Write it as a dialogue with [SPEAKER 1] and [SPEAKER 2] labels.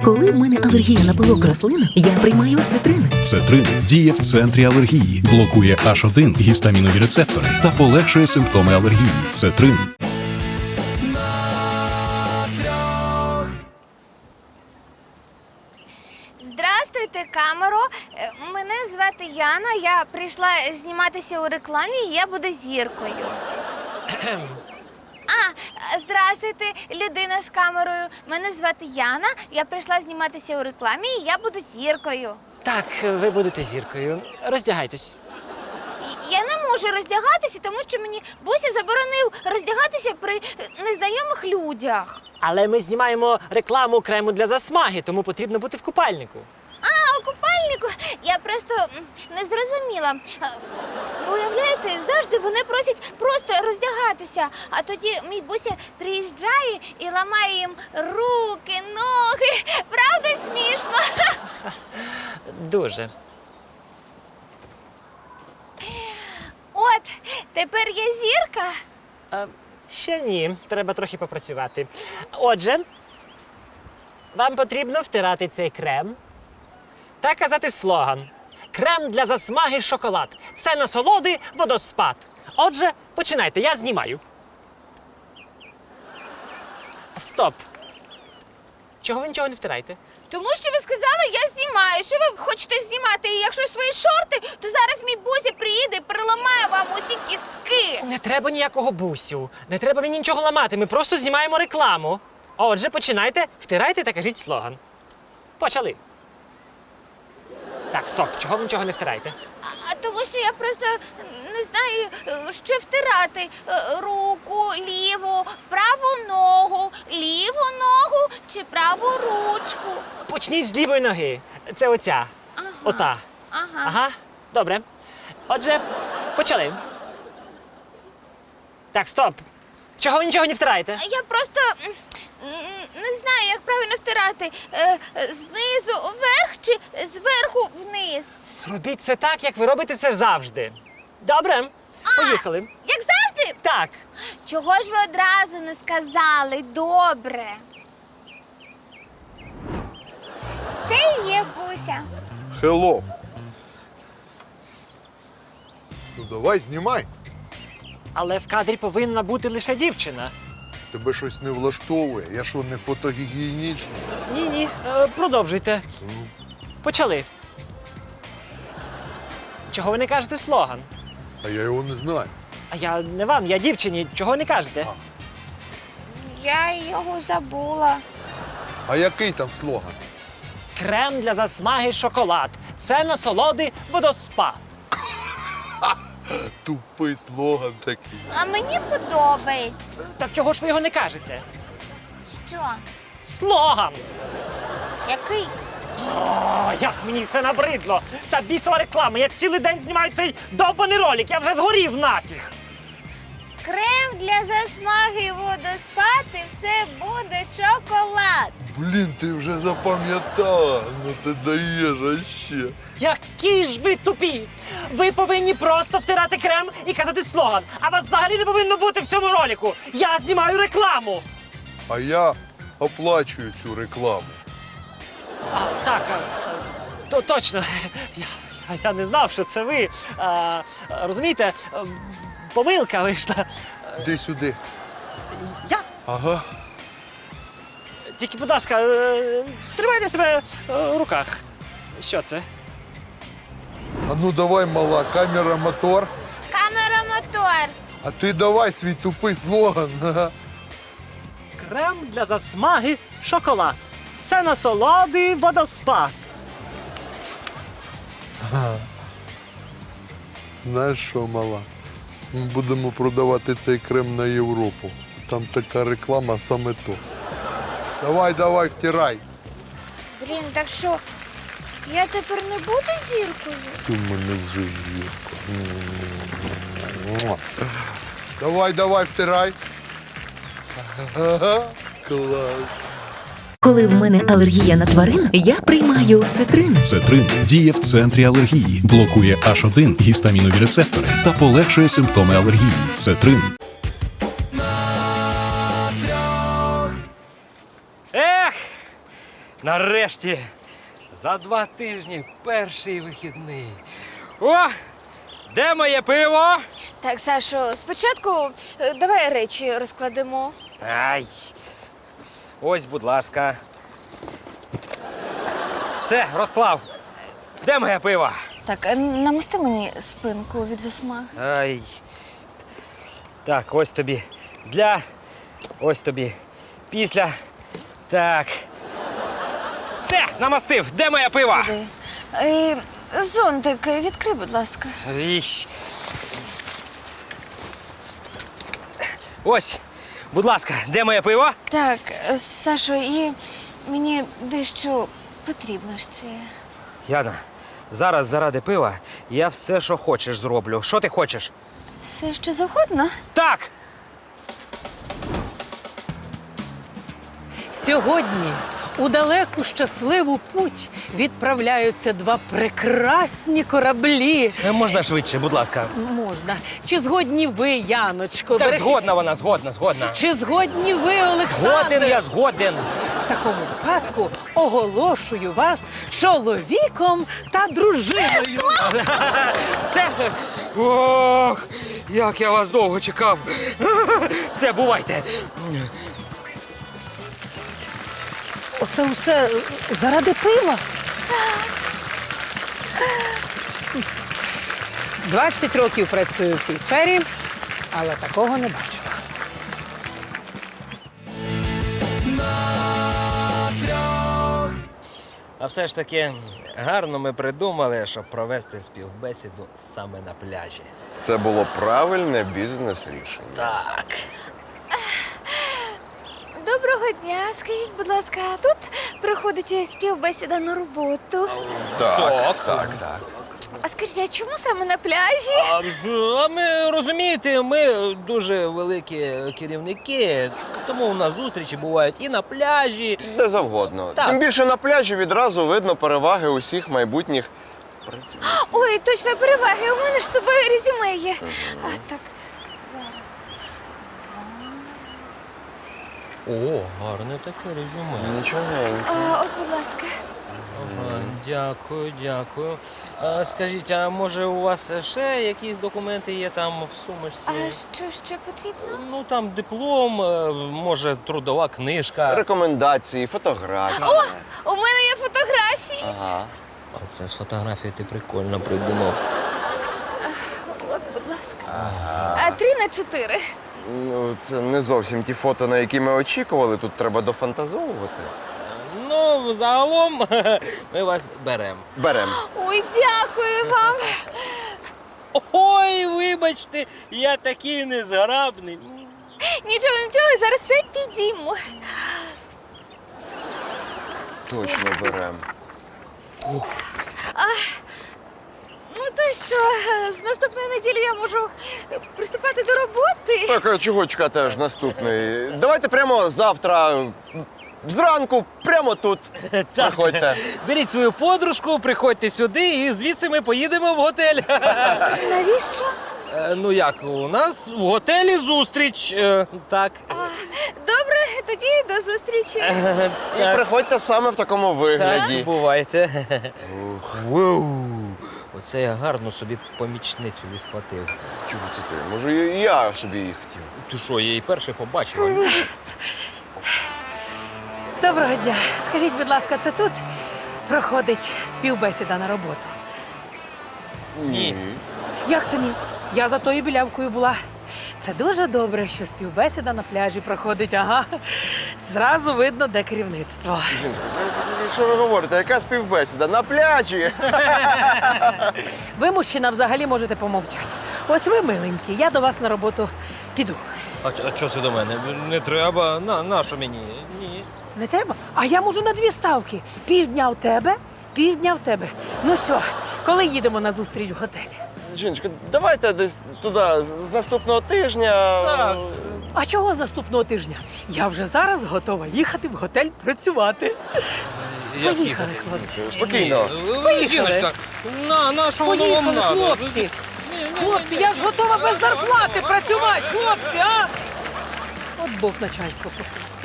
[SPEAKER 1] Коли в мене алергія на пилок рослин, я приймаю цитрин.
[SPEAKER 2] Цетрин діє в центрі алергії, блокує H1 гістамінові рецептори та полегшує симптоми алергії. Цетрин.
[SPEAKER 3] Здравствуйте, камеро. Мене звати Яна. Я прийшла зніматися у рекламі, і я буду зіркою. Здравствуйте, людина з камерою. Мене звати Яна. Я прийшла зніматися у рекламі, і я буду зіркою.
[SPEAKER 4] Так, ви будете зіркою. Роздягайтесь.
[SPEAKER 3] Я не можу роздягатися, тому що мені Буся заборонив роздягатися при незнайомих людях.
[SPEAKER 4] Але ми знімаємо рекламу крему для засмаги, тому потрібно бути в купальнику.
[SPEAKER 3] У купальнику? Я просто не зрозуміла. Уявляєте, завжди вони просять просто роздягатися, а тоді мій Буся приїжджає і ламає їм руки, ноги. Правда смішно?
[SPEAKER 4] Дуже.
[SPEAKER 3] От, тепер я зірка.
[SPEAKER 4] Ще ні, треба трохи попрацювати. Отже, вам потрібно втирати цей крем та казати слоган. Крем для засмаги шоколад. Це насолоди водоспад. Отже, починайте, я знімаю. Стоп. Чого ви нічого не втираєте?
[SPEAKER 3] Тому що ви сказали, я знімаю. Що ви хочете знімати? І якщо свої шорти, то зараз мій Буся приїде і переламає вам усі кістки.
[SPEAKER 4] Не треба ніякого бусю. Не треба мені нічого ламати. Ми просто знімаємо рекламу. Отже, починайте, втирайте та кажіть слоган. Почали. Так, стоп. Чого ви нічого не втираєте?
[SPEAKER 3] Тому що я просто не знаю, що втирати. Руку, ліву, праву ногу, ліву ногу чи праву ручку.
[SPEAKER 4] Почніть з лівої ноги. Це оця. Ота. Ага. Добре. Отже, почали. Так, стоп. Чого ви нічого не втираєте?
[SPEAKER 3] Я просто не знаю, як правильно втирати. Знизу вверх чи зверху вниз.
[SPEAKER 4] Робіть це так, як ви робите це завжди. Добре. Поїхали.
[SPEAKER 3] Як завжди?
[SPEAKER 4] Так.
[SPEAKER 3] Чого ж ви одразу не сказали? Добре. Це і є Буся.
[SPEAKER 5] Хелло. Ну давай, знімай.
[SPEAKER 4] Але в кадрі повинна бути лише дівчина.
[SPEAKER 5] Тебе щось не влаштовує. Я що, не фотогігієнічний?
[SPEAKER 4] Ні, продовжуйте. Почали. Чого ви не кажете слоган?
[SPEAKER 5] А я його не знаю.
[SPEAKER 4] А я не вам, я дівчині. Чого не кажете?
[SPEAKER 3] Я його забула.
[SPEAKER 5] А який там слоган?
[SPEAKER 4] Крем для засмаги шоколад. Це насолоди водоспад.
[SPEAKER 5] Тупий слоган такий.
[SPEAKER 3] А мені подобається.
[SPEAKER 4] Так чого ж ви його не кажете?
[SPEAKER 3] Що?
[SPEAKER 4] Слоган!
[SPEAKER 3] Який?
[SPEAKER 4] О, як мені це набридло! Ця бісова реклама! Я цілий день знімаю цей довбаний ролик! Я вже згорів нафіг!
[SPEAKER 3] Крем для засмаги і водоспад, і все буде шоколад.
[SPEAKER 5] Блін, ти вже запам'ятала. Ну ти даєш, а ще.
[SPEAKER 4] Які ж ви тупі! Ви повинні просто втирати крем і казати слоган, а вас взагалі не повинно бути в цьому ролику! Я знімаю рекламу!
[SPEAKER 5] А я оплачую цю рекламу.
[SPEAKER 4] Так, точно. Я не знав, що це ви. Розумієте, помилка вийшла.
[SPEAKER 5] Іди сюди.
[SPEAKER 4] Я?
[SPEAKER 5] Ага.
[SPEAKER 4] Тільки, будь ласка, тримайте себе в руках. Що це?
[SPEAKER 5] А ну давай, мала, камера, мотор.
[SPEAKER 3] Камера, мотор.
[SPEAKER 5] А ти давай свій тупий слоган. Ага.
[SPEAKER 4] Крем для засмаги шоколад. Це насолоди водоспад.
[SPEAKER 5] Знаєш що, мала? Ми будемо продавати цей крем на Європу. Там така реклама саме то. Давай, втирай.
[SPEAKER 3] Блін, так що я тепер не буду зіркою?
[SPEAKER 5] Ти в мене вже зірка. Давай, втирай. Ага, клас.
[SPEAKER 1] Коли в мене алергія на тварин, я приймаю цитрин.
[SPEAKER 2] Цетрин діє в центрі алергії, блокує H1 гістамінові рецептори та полегшує симптоми алергії. Цетрин.
[SPEAKER 4] Ех!
[SPEAKER 6] Нарешті, за 2 тижні перший вихідний. О! Де моє пиво?
[SPEAKER 3] Так, Сашо, спочатку давай речі розкладемо.
[SPEAKER 6] Ай. Ось, будь ласка. Все, розклав. Де моє пиво?
[SPEAKER 3] Так, намасти мені спинку від засмаги.
[SPEAKER 6] Ай. Так, ось тобі. Для. Ось тобі. Після. Так. Все, намастив. Де моє пиво?
[SPEAKER 3] Зонтик, відкрий, будь ласка.
[SPEAKER 6] Іщ. Ось, будь ласка, де моє пиво?
[SPEAKER 3] Так, Сашо, і мені дещо потрібно ще.
[SPEAKER 6] Яна, зараз заради пива я все, що хочеш, зроблю. Що ти хочеш?
[SPEAKER 3] Все, що завгодно?
[SPEAKER 6] Так!
[SPEAKER 7] Сьогодні у далеку щасливу путь відправляються 2 прекрасні кораблі.
[SPEAKER 6] Можна швидше, будь ласка.
[SPEAKER 7] Можна. Чи згодні ви, Яночко?
[SPEAKER 6] Так, згодна вона, згодна.
[SPEAKER 7] Чи згодні ви, Олександр?
[SPEAKER 6] Згоден, я згоден.
[SPEAKER 7] В такому випадку оголошую вас чоловіком та дружиною.
[SPEAKER 6] Все. Ох, як я вас довго чекав. Все, бувайте.
[SPEAKER 7] Оце все заради пива? 20 років працюю в цій сфері, але такого не бачила.
[SPEAKER 6] А все ж таки гарно ми придумали, щоб провести співбесіду саме на пляжі.
[SPEAKER 8] Це було правильне бізнес-рішення.
[SPEAKER 6] Так.
[SPEAKER 3] Доброго дня. Скажіть, будь ласка, а тут проходить співбесіда на роботу.
[SPEAKER 8] Так.
[SPEAKER 3] А скажіть, а чому саме на пляжі?
[SPEAKER 6] А ми розумієте, ми дуже великі керівники, тому у нас зустрічі бувають і на пляжі.
[SPEAKER 8] Де завгодно.
[SPEAKER 6] Так.
[SPEAKER 8] Тим більше на пляжі відразу видно переваги усіх майбутніх працівників.
[SPEAKER 3] Ой, точно переваги. У мене ж з собою резюме є. А так, зараз.
[SPEAKER 6] О, гарне таке резюме.
[SPEAKER 8] Нічогенько.
[SPEAKER 3] От, будь ласка.
[SPEAKER 6] Ага, дякую. А, скажіть, а може у вас ще якісь документи є там в сумочці?
[SPEAKER 3] А що ще потрібно?
[SPEAKER 6] Ну там диплом, може трудова книжка.
[SPEAKER 8] Рекомендації, фотографії.
[SPEAKER 3] У мене є фотографії.
[SPEAKER 8] Ага.
[SPEAKER 6] Оце з фотографії ти прикольно придумав.
[SPEAKER 3] От, будь ласка. А 3×4.
[SPEAKER 8] Ну, це не зовсім ті фото, на які ми очікували. Тут треба дофантазовувати.
[SPEAKER 6] Ну, загалом ми вас беремо.
[SPEAKER 8] Берем.
[SPEAKER 3] Ой, дякую вам.
[SPEAKER 6] Ой, вибачте, я такий незграбний.
[SPEAKER 3] Нічого, зараз все підійму.
[SPEAKER 8] Точно берем.
[SPEAKER 3] Ну то що, з наступної неділі я можу приступати до роботи?
[SPEAKER 8] Так, а чого чекати аж наступний? Давайте прямо завтра, зранку, прямо тут. Приходьте.
[SPEAKER 6] Беріть свою подружку, приходьте сюди і звідси ми поїдемо в готель.
[SPEAKER 3] Навіщо?
[SPEAKER 6] Ну як, у нас в готелі зустріч. Так.
[SPEAKER 3] Добре, тоді до зустрічі.
[SPEAKER 8] І приходьте саме в такому
[SPEAKER 6] Так,
[SPEAKER 8] вигляді.
[SPEAKER 6] бувайте. Воу. Оце я гарно собі помічницю відхватив.
[SPEAKER 8] Чого це ти? Може, і я собі їх хотів.
[SPEAKER 6] Ти що, я її перший побачив?
[SPEAKER 7] Доброго дня. Скажіть, будь ласка, це тут проходить співбесіда на роботу?
[SPEAKER 6] Ні.
[SPEAKER 7] Як це ні? Я за тою білявкою була. Це дуже добре, що співбесіда на пляжі проходить. Ага. Зразу видно, де керівництво.
[SPEAKER 8] Жіночко, що ви говорите? Яка співбесіда? На пляжі!
[SPEAKER 7] Ви, мужчина, взагалі можете помовчати. Ось ви, миленькі, я до вас на роботу піду.
[SPEAKER 6] А що це до мене? Не треба. На що мені? Ні.
[SPEAKER 7] Не треба? А я можу на 2 ставки. Півдня в тебе, півдня в тебе. Ну все, коли їдемо на зустріч в готелі?
[SPEAKER 8] Жіночко, давайте десь туди з наступного тижня.
[SPEAKER 6] Так.
[SPEAKER 7] А чого з наступного тижня? Я вже зараз готова їхати в готель працювати.
[SPEAKER 6] Як
[SPEAKER 7] Поїхали,
[SPEAKER 6] їхати?
[SPEAKER 7] хлопці.
[SPEAKER 8] Спокійно.
[SPEAKER 7] Поїхали.
[SPEAKER 6] Жіночка, на що воно вам
[SPEAKER 7] Поїхали,
[SPEAKER 6] надо?
[SPEAKER 7] хлопці. Хлопці, я ж готова без зарплати працювати, хлопці, а? От Бог начальство посилає.